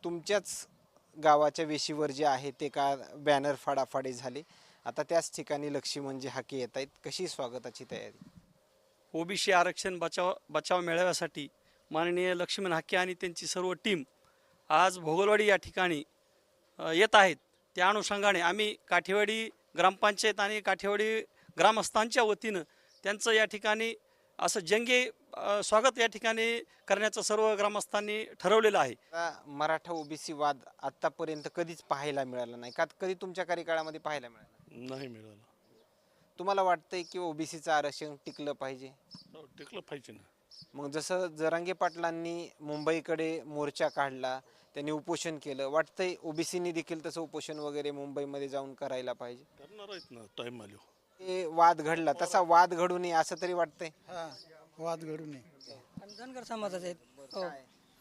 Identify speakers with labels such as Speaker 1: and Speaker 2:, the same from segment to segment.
Speaker 1: तुमच्याच गावाच्या वेशीवर जे आहे ते का बॅनर फाडाफाडी झाली. आता त्याच ठिकाणी लक्ष्मणजी हाके येत आहेत. कशी स्वागताची तयारी?
Speaker 2: ओबीसी आरक्षण बचाव मेळाव्यासाठी माननीय लक्ष्मण हाके आणि त्यांची सर्व टीम आज भोगलवाडी या ठिकाणी येत आहेत. त्या अनुषंगाने आम्ही काठेवाडी ग्रामपंचायत आणि काठेवाडी ग्रामस्थांच्या वतीनं त्यांचं या ठिकाणी असं जंगी स्वागत या ठिकाणी करण्याचं सर्व ग्रामस्थांनी ठरवलेलं आहे.
Speaker 1: आता मराठा ओबीसी वाद आतापर्यंत कधीच पाहायला मिळाला नाही का? कधी तुमच्या कार्यकाळामध्ये पाहायला मिळाला?
Speaker 3: नाही मिळालं.
Speaker 1: तुम्हाला वाटतंय की ओबीसीचं आरक्षण टिकलं पाहिजे?
Speaker 3: टिकलं पाहिजे ना.
Speaker 1: मग जसं जरांगे पाटलांनी मुंबईकडे मोर्चा काढला, त्यांनी उपोषण केलं, वाटतंय ओबीसीनी देखील तसं उपोषण वगैरे मुंबईमध्ये जाऊन करायला पाहिजे?
Speaker 3: करणार आहेत ना टाईम आलो.
Speaker 1: हे वाद घडला, तसा वाद घडू नये असं तरी वाटतंय?
Speaker 4: हा वाद घडू नये.
Speaker 5: आणि धनगर समाजाचे आहेत. हो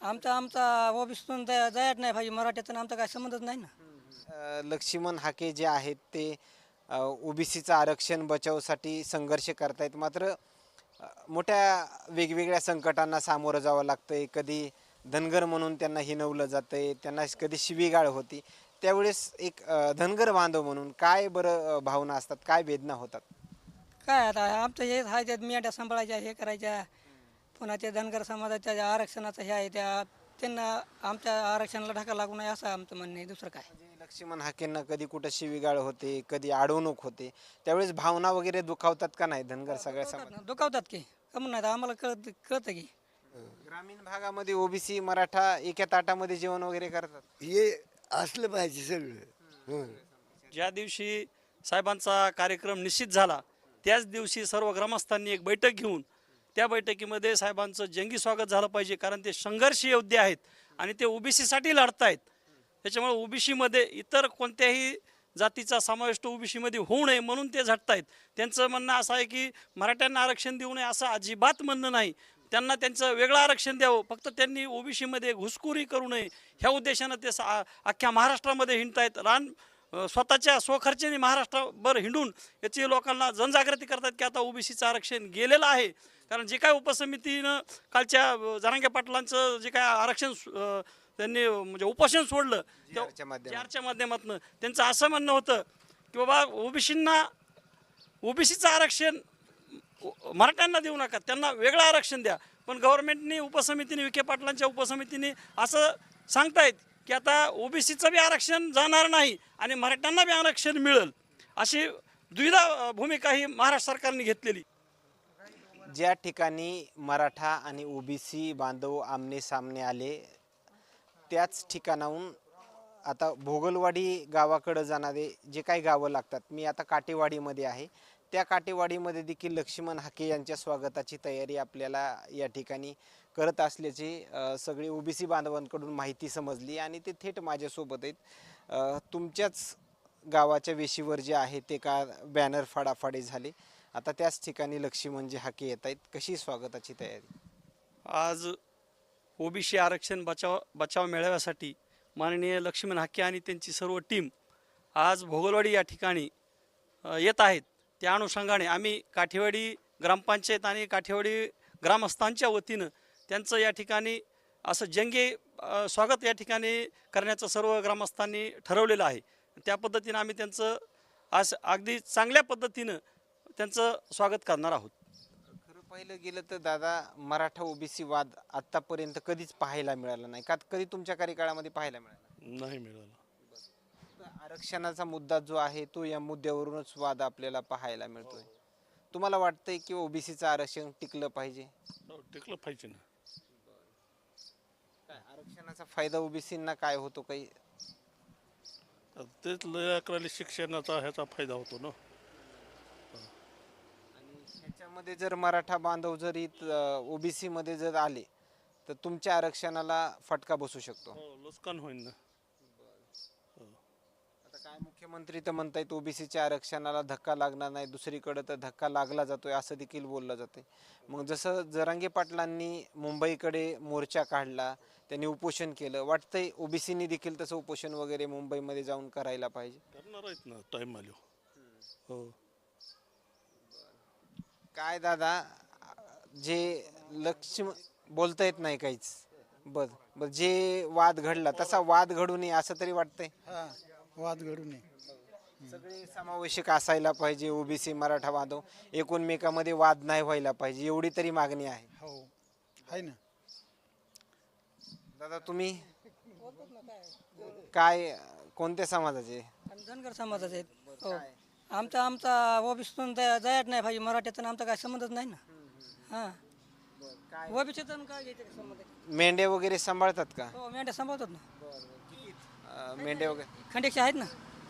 Speaker 5: आमचा ओबीसीतून जायच नाही पाहिजे, मराठ्यातून आमचा काय संबंधच नाही ना.
Speaker 1: लक्ष्मण हाके जे आहेत ते ओबीसीचं आरक्षण बचावसाठी संघर्ष करतायत, मात्र मोठ्या वेगवेगळ्या संकटांना सामोरं जावं लागतंय. कधी धनगर म्हणून त्यांना हिणवलं जातंय, त्यांना कधी शिवीगाळ होती. त्यावेळेस एक धनगर बांधव म्हणून काय बरं भावना असतात, काय वेदना होतात?
Speaker 5: काय आता आमचं हे आहे त्यात मेंढ्या सांभाळायच्या, हे करायच्या. पुन्हा ते धनगर समाजाच्या ज्या आरक्षणाचं हे आहे त्यांना आमच्या आरक्षणाला ढाका लागू नये असं आमचं म्हणणं आहे. दुसरं काय
Speaker 1: म्हणजे लक्ष्मण हाकेंना कधी कुठं शिवीगाळ होते, कधी अडवणूक होते, त्यावेळेस भावना वगैरे दुखावतात का नाही धनगर सगळ्या समाज?
Speaker 5: दुखावतात की कमून नाही आम्हाला कळतं की.
Speaker 1: ग्रामीण भागामध्ये ओबीसी मराठा एका ताटामध्ये जेवण वगैरे करतात?
Speaker 4: हे असलं पाहिजे सगळं.
Speaker 2: ज्या दिवशी साहेबांचा कार्यक्रम निश्चित झाला त्याच दिवशी सर्व ग्रामस्थांनी एक बैठक घेऊन त्या बैठकीमध्ये साहेबांचं जंगी स्वागत झालं पाहिजे, कारण ते संघर्ष योद्धे आहेत आणि ते ओबीसीसाठी लढत आहेत. त्याच्यामुळे ओबीसीमध्ये इतर कोणत्याही जातीचा समावेश ओबीसीमध्ये होऊ नये म्हणून ते झटत आहेत. त्यांचं म्हणणं असं आहे की मराठ्यांना आरक्षण देऊ नये असं अजिबात म्हणणं नाही. त्यांना त्यांचं वेगळं आरक्षण द्यावं, फक्त त्यांनी ओबीसीमध्ये घुसखोरी करू नये ह्या उद्देशानं ते अख्ख्या महाराष्ट्रामध्ये हिंडत आहेत. स्वतःच्या स्वखर्चाने महाराष्ट्रभर हिंडून याची लोकांना जनजागृती करतात की आता ओबीसीचं आरक्षण गेलेलं आहे. कारण जे काय उपसमितीनं कालच्या जरांगे पाटलांचं जे काय आरक्षण त्यांनी म्हणजे उपोषण सोडलं JRच्या माध्यमातून त्यांचं असं म्हणणं होतं की बाबा ओबीसीचं आरक्षण मराठ्यांना देऊ नका, त्यांना वेगळं आरक्षण द्या. पण गव्हर्नमेंटने उपसमितीने विखे पाटलांच्या उपसमितीने असं सांगतायत की आता ओबीसीचं बी आरक्षण जाणार नाही आणि मराठ्यांना बी आरक्षण मिळेल, अशी द्विधा भूमिका ही महाराष्ट्र सरकारने घेतलेली.
Speaker 1: ज्या ठिकाणी मराठा आणि ओबीसी बांधव आमने सामने आले त्याच ठिकाणाहून आता भोगलवाडी गावाकडं जाणारे जे काही गावं लागतात, मी आता काटेवाडीमध्ये आहे, त्या काटेवाडीमध्ये देखील लक्ष्मण हाके यांच्या स्वागताची तयारी आपल्याला या ठिकाणी करत असल्याची सगळी ओबीसी बांधवांकडून माहिती समजली आणि ते थेट माझ्यासोबत आहेत. तुमच्याच गावाच्या वेशीवर जे आहे ते का बॅनर फाडाफाडी झाली. आता त्याच ठिकाणी लक्ष्मणजी हाके येत आहेत. कशी स्वागताची तयारी?
Speaker 2: आज ओबीसी आरक्षण बचाव मेळाव्यासाठी माननीय लक्ष्मण हाके आणि त्यांची सर्व टीम आज भोगलवाडी या ठिकाणी येत आहेत. त्या अनुषंगाने आम्ही काठेवाडी ग्रामपंचायत आणि काठेवाडी ग्रामस्थांच्या वतीनं त्यांचं या ठिकाणी असं जंगी स्वागत या ठिकाणी करण्याचं सर्व ग्रामस्थांनी ठरवलेलं आहे. त्या पद्धतीनं आम्ही त्यांचं आज अगदी चांगल्या पद्धतीनं त्यांचं स्वागत करणार आहोत.
Speaker 1: खरं पाहिलं गेलं तर दादा, मराठा ओबीसी वाद आतापर्यंत कधीच पाहायला मिळाला नाही का? कधी तुमच्या कार्यकाळामध्ये पाहायला मिळाला?
Speaker 3: नाही मिळालं.
Speaker 1: आरक्षणाचा मुद्दा जो आहे तो या मुद्द्यावरूनच वाद आपल्याला पाहायला मिळतोय. तुम्हाला वाटतंय की ओबीसीचं आरक्षण टिकलं पाहिजे?
Speaker 3: टिकलं पाहिजे ना.
Speaker 1: काय आरक्षणाचा फायदा ओबीसींना काय होतो काही?
Speaker 3: तेच लेकराला शिक्षणाचा ह्याचा फायदा होतो ना.
Speaker 1: आणि ह्याच्यामध्ये जर मराठा बांधव जर ओबीसी मध्ये जर आले तर तुमच्या आरक्षणाला फटका बसू शकतो.
Speaker 3: नुकसान होईल ना.
Speaker 1: आता काय मुख्यमंत्री तर म्हणतायत ओबीसीच्या आरक्षणाला धक्का लागणार नाही, दुसरीकडे तर धक्का लागला जातोय असं देखील बोललं जाते. मग जसं जरांगे पाटलांनी मुंबईकडे मोर्चा काढला, त्यांनी उपोषण केलं, वाटतंय ओबीसीनी देखील तसं उपोषण वगैरे मुंबईमध्ये जाऊन करायला पाहिजे?
Speaker 3: करणार आहेत ना टाईम आलो. हो.
Speaker 1: काय दादा, जे लक्ष्य बोलता येत नाही काहीच, बर बर जे वाद घडला तसा वाद घडू नये असं तरी वाटतंय.
Speaker 4: हा वाद घडू नये.
Speaker 1: सगळे समावेशक असायला पाहिजे, ओबीसी मराठा बांधव एकूणमेकामध्ये वाद नाही व्हायला पाहिजे, एवढी तरी मागणी आहे.
Speaker 4: हो आहे ना.
Speaker 1: दादा तुम्ही काय कोणत्या समाजाचे?
Speaker 5: आम्ही धनगर समाजाचे आहेत. हो आमचा आमचा ओबीसीतून जायच नाही पाहिजे, मराठ्यातून आमचा काय संबंधच नाही ना. हां ओबीसीतून काय घ्यायचं काय संबंध आहे?
Speaker 1: मेंढे वगैरे सांभाळतात का?
Speaker 5: हो मेंढ्या सांभाळतात ना.
Speaker 1: मेंढे वगैरे
Speaker 5: खंडेक्षे आहेत ना.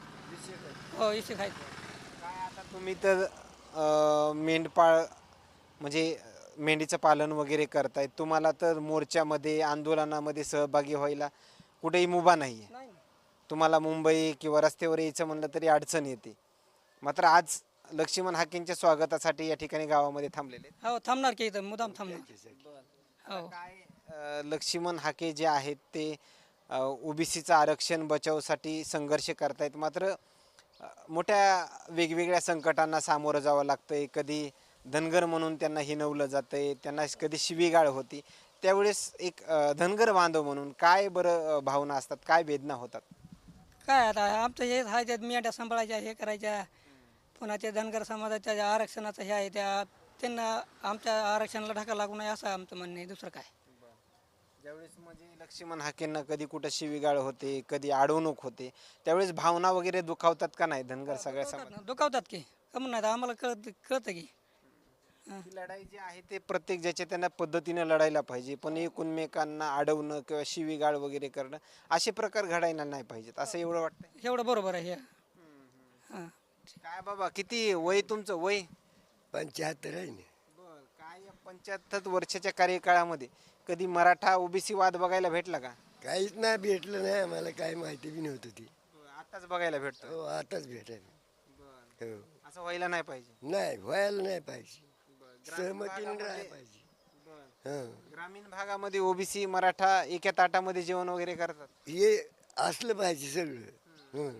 Speaker 5: हो इशिक आहेत.
Speaker 1: काय आता तुम्ही तर मेंढपाळ म्हणजे मेंढीचं पालन वगैरे करतायत, तुम्हाला तर मोर्चामध्ये आंदोलनामध्ये सहभागी व्हायला कुठेही मुभा नाही आहे.
Speaker 5: नाही ना.
Speaker 1: तुम्हाला मुंबई किंवा रस्त्यावर यायचं म्हणलं तरी अडचण येते. मात्र आज लक्ष्मण हाकेंच्या स्वागतासाठी या ठिकाणी गावामध्ये थांबलेले आहेत.
Speaker 5: हो थांबणार की इथं मुदाम थांबणार. हो
Speaker 1: काय लक्ष्मण हाके जे आहेत ते ओबीसीचं आरक्षण बचावसाठी संघर्ष करतायत. मात्र मोठ्या वेगवेगळ्या संकटांना सामोरं जावं लागतंय. कधी धनगर म्हणून त्यांना हिणवलं जातंय, त्यांना कधी शिवीगाळ होती. त्यावेळेस एक धनगर बांधव म्हणून काय बरं भावना असतात, काय वेदना होतात?
Speaker 5: काय आता आमचं हे आहे त्यात मेंढ्या सांभाळायच्या हे करायच्या. पुन्हा ते धनगर समाजाच्या आरक्षणाचं हे आहे त्या त्यांना आमच्या आरक्षणाला ढाका लागू नये असं आमचं म्हणणं आहे. दुसरं काय.
Speaker 1: ज्यावेळेस म्हणजे लक्ष्मण हाकेंना कधी कुठं शिवीगाळ होते, कधी अडवणूक होते, त्यावेळेस भावना वगैरे दुखावतात का नाही धनगर सगळ्या समाज?
Speaker 5: दुखावतात की कमून नाही आम्हाला कळतं की.
Speaker 1: ही लढाई जी आहे ते प्रत्येक ज्याच्या त्यांना पद्धतीनं लढायला पाहिजे, पण एकमेकांना अडवणं किंवा शिवीगाळ वगैरे करणं असे प्रकार घडायला नाही पाहिजेत असं एवढं वाटतंय.
Speaker 5: एवढं बरोबर आहे हे. हां
Speaker 1: काय बाबा किती वय तुमचं? वय
Speaker 4: 75 आहे ना.
Speaker 1: काय या 75 वर्षाच्या कार्यकाळामध्ये कधी मराठा ओबीसी वाद बघायला भेटला का?
Speaker 4: काहीच नाही भेटलं नाही आम्हाला, काय माहिती बी नव्हतं ती.
Speaker 1: आताच बघायला भेटतो.
Speaker 4: हो आताच भेटायला. हो
Speaker 1: असं व्हायला नाही पाहिजे.
Speaker 4: नाही व्हायला नाही पाहिजे, सहमतीने राहायला पाहिजे. हं
Speaker 1: ग्रामीण भागामध्ये ओबीसी मराठा एका ताटामध्ये जेवण वगैरे करतात.
Speaker 4: हे असलं पाहिजे सगळं. हं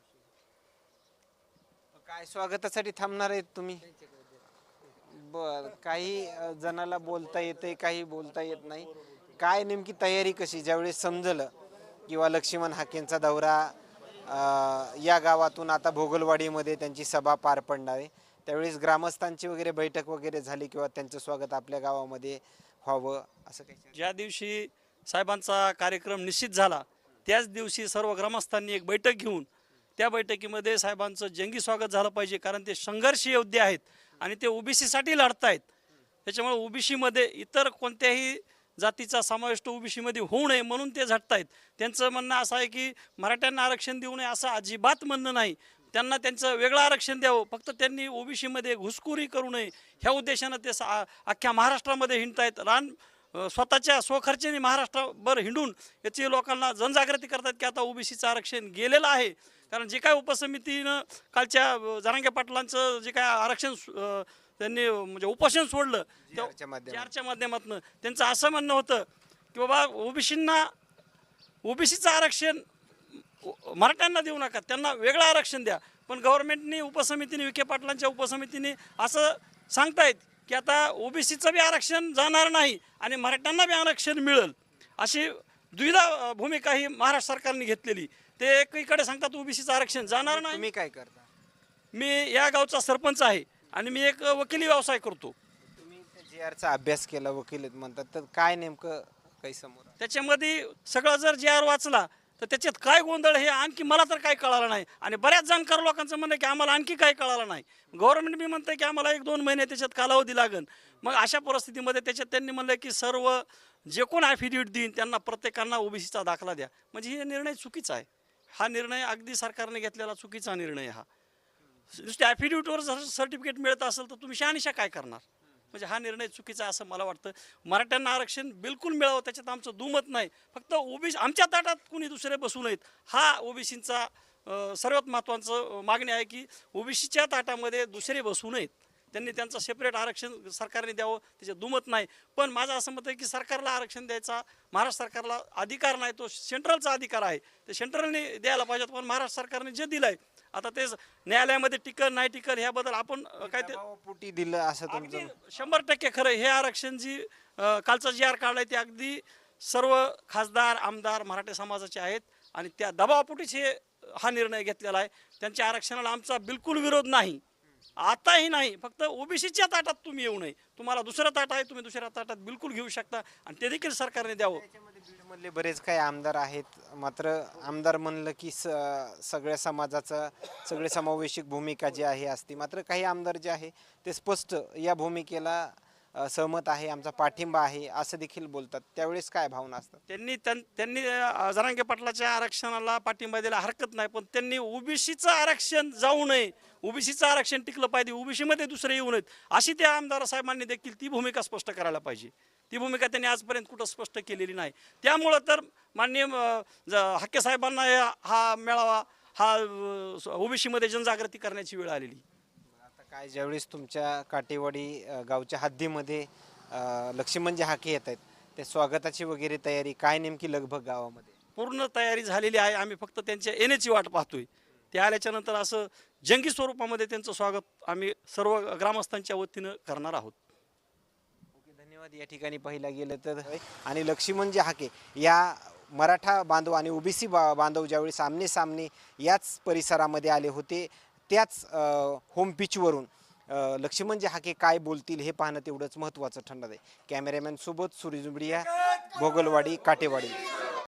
Speaker 1: काय स्वागतासाठी थांबणार आहेत तुम्ही? बर काही जणाला बोलता येते, काही बोलता येत नाही. काय नेमकी तयारी कशी ज्यावेळेस समजलं किंवा लक्ष्मण हाकेंचा दौरा या गावातून आता भोगलवाडीमध्ये त्यांची सभा पार पडणार आहे, त्यावेळेस ग्रामस्थांची वगैरे बैठक वगैरे झाली किंवा त्यांचं स्वागत आपल्या गावामध्ये व्हावं असं काही?
Speaker 2: ज्या दिवशी साहेबांचा कार्यक्रम निश्चित झाला त्याच दिवशी सर्व ग्रामस्थांनी एक बैठक घेऊन त्या बैठकीमध्ये साहेबांचं जंगी स्वागत झालं पाहिजे, कारण ते संघर्ष योद्धे आहेत आणि ते ओबीसीसाठी लढतायत. त्याच्यामुळे ओबीसीमध्ये इतर कोणत्याही जातीचा समावेश तो ओबीसीमध्ये होऊ नये म्हणून ते झटतायत. त्यांचं म्हणणं असं आहे की मराठ्यांना आरक्षण देऊ नये असं अजिबात म्हणणं नाही. त्यांना त्यांचं वेगळं आरक्षण द्यावं, फक्त त्यांनी ओबीसीमध्ये घुसखोरी करू नये ह्या उद्देशानं ते अख्ख्या महाराष्ट्रामध्ये हिंडतायत. स्वतःच्या स्वखर्चाने महाराष्ट्रभर हिंडून याची लोकांना जनजागृती करतात की आता ओबीसीचं आरक्षण गेलेलं आहे. कारण जे काय उपसमितीनं कालच्या जरांगे पाटलांचं जे काय आरक्षण त्यांनी म्हणजे उपोषण सोडलं JR माध्यमातून त्यांचं असं म्हणणं होतं की बाबा ओबीसीचं आरक्षण मराठ्यांना देऊ नका, त्यांना वेगळं आरक्षण द्या. पण गव्हर्नमेंटने उपसमितीने विखे पाटलांच्या उपसमितीने असं सांगतायत की आता ओबीसीचं बी आरक्षण जाणार नाही आणि मराठ्यांना बी आरक्षण मिळेल, अशी द्विधा भूमिका ही महाराष्ट्र सरकारने घेतलेली. ते एकीकडे सांगतात ओबीसीचं आरक्षण जाणार नाही.
Speaker 1: तुम्ही काय करता?
Speaker 2: मी या गावचा सरपंच आहे आणि मी एक वकिली व्यवसाय करतो.
Speaker 1: तुम्ही JRचा अभ्यास केला, वकील म्हणतात, तर काय नेमकं काही समोर?
Speaker 2: त्याच्यामध्ये सगळं जर JR वाचला तर त्याच्यात काय गोंधळ हे आणखी मला तर काय कळालं नाही. आणि बऱ्याच जाणकार लोकांचं म्हणणं की आम्हाला आणखी काय कळालं नाही. गव्हर्नमेंट बी म्हणतं की आम्हाला 1-2 महिने त्याच्यात कालावधी लागेल. मग अशा परिस्थितीमध्ये त्याच्यात त्यांनी म्हणलं की सर्व जे कोण ॲफिडेविट देईन त्यांना प्रत्येकांना ओबीसीचा दाखला द्या. म्हणजे हे निर्णय चुकीचा आहे. हा निर्णय अगदी सरकारने घेतलेला चुकीचा निर्णय. हा नुसत्या ॲफिडेविटवर जर सर्टिफिकेट मिळत असेल तर तुम्ही शहानिशा काय करणार? म्हणजे हा निर्णय चुकीचा असं मला वाटतं. मराठ्यांना आरक्षण बिलकुल मिळावं त्याच्यात आमचं दुमत नाही. फक्त ओबीसी आमच्या ताटात कुणी दुसरे बसू नयेत हा ओबीसींचा सर्वात महत्त्वाचं मागणी आहे की ओबीसीच्या ताटामध्ये दुसरे बसू नयेत. त्यांनी त्यांचं सेपरेट आरक्षण सरकारने द्यावं त्याच्यात दुमत नाही. पण माझं असं मत आहे की सरकारला आरक्षण द्यायचा महाराष्ट्र सरकारला अधिकार नाही, तो सेंट्रलचा अधिकार आहे. ते सेंट्रलने द्यायला पाहिजेत. पण महाराष्ट्र सरकारने जे दिलं आहे आता तेच न्यायालयामध्ये टिकल नाही टिकल ह्याबद्दल आपण काय ते
Speaker 1: पोटी दिलं असं
Speaker 2: अगदी
Speaker 1: तुमचं?
Speaker 2: 100% खरं. हे आरक्षण जी कालचा JR काढलाय ते अगदी सर्व खासदार आमदार मराठा समाजाचे आहेत आणि त्या दबावापोटीच हा निर्णय घेतलेला आहे. त्यांच्या आरक्षणाला आमचा बिलकुल विरोध नाही, आताही नाही. फक्त ओबीसीच्या ताटात तुम्ही येऊ नये. तुम्हाला दुसरं ताट आहे, तुम्ही दुसऱ्या ताटात बिलकुल घेऊ शकता आणि ते देखील सरकारने द्यावं.
Speaker 1: त्याच्यामध्ये बीडमधले बरेच काही आमदार आहेत, मात्र आमदार म्हणलं की सगळ्या समाजाचं सगळे समावेशक भूमिका जी आहे असते. मात्र काही आमदार जे आहे ते स्पष्ट या भूमिकेला सहमत आहे, आमचा पाठिंबा आहे असं देखील बोलतात. त्यावेळेस काय भावना असतात?
Speaker 2: त्यांनी जरांगे पाटलाच्या आरक्षणाला पाठिंबा द्यायला हरकत नाही, पण त्यांनी ओबीसीचं आरक्षण जाऊ नये, ओबीसीचं आरक्षण टिकलं पाहिजे, ओबीसीमध्ये दुसरे येऊ नयेत अशी त्या आमदार साहेबांनी देखील ती भूमिका स्पष्ट करायला पाहिजे. ती भूमिका त्यांनी आजपर्यंत कुठं स्पष्ट केलेली नाही. त्यामुळं तर माननीय हाके साहेबांना हा मेळावा हा ओबीसीमध्ये जनजागृती करण्याची वेळ आलेली.
Speaker 1: आता काय ज्यावेळेस तुमच्या काटेवाडी गावच्या हद्दीमध्ये लक्ष्मणजी हाके येत आहेत, त्या स्वागताची वगैरे तयारी काय नेमकी लगभग गावामध्ये?
Speaker 2: पूर्ण तयारी झालेली आहे. आम्ही फक्त त्यांच्या येण्याची वाट पाहतोय. ते आल्याच्या नंतर असं जंगी स्वरूपामध्ये त्यांचं स्वागत आम्ही सर्व ग्रामस्थांच्या वतीनं करणार आहोत.
Speaker 1: ओके, धन्यवाद. या ठिकाणी पाहिला गेलं तर आणि लक्ष्मणजी हाके या मराठा बांधव आणि ओबीसी बांधव ज्यावेळेस आमने सामने याच परिसरामध्ये आले होते, त्याच होम पिचवरून लक्ष्मणजी हाके काय बोलतील हे पाहणं तेवढंच महत्त्वाचं ठरणार आहे. कॅमेरामॅन सोबत सुरेश जुबडिया, भोगलवाडी, काटेवाडी.